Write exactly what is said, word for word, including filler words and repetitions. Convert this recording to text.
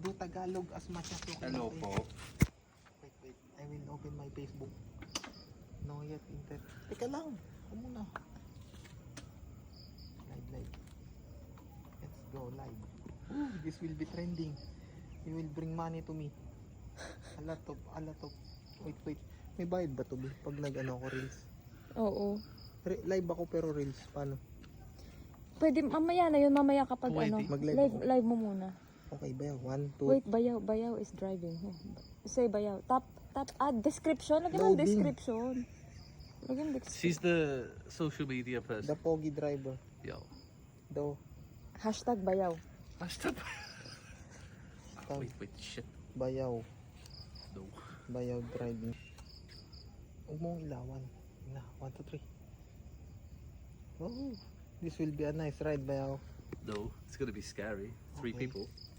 do Tagalog as much as you can. Hello okay? po. Wait, wait. I will open my Facebook. No yet inter. Teka lang. Ako muna. Live, live. Let's go live. Ooh, this will be trending. You will bring money to me. A lot of, a lot of. Wait, wait. May bayad ba to, Bi? Pag nag-ano ako reels? Oo. Re- live ako pero reels. Paano? Pwede, mamaya na yun, mamaya kapag Pwede. ano, Mag-live live, ako. live mo muna. Okay ba yan? One, two. Wait, bayaw, bayaw is driving. Oh, say bayaw. Tap, tap, ah, description. Lagyan mo ang Loading. description. Lagyan mo description. She's the social media person. The Pogi driver. Yo. Do. Hashtag bayaw. Hashtag. Tag. Wait, wait, shit. Bayaw. No. Bayaw driving. Huwag mong ilawan. Na, one, two, three. Oh, this will be a nice ride, Bayaw. No, it's gonna be scary. Three Okay. people.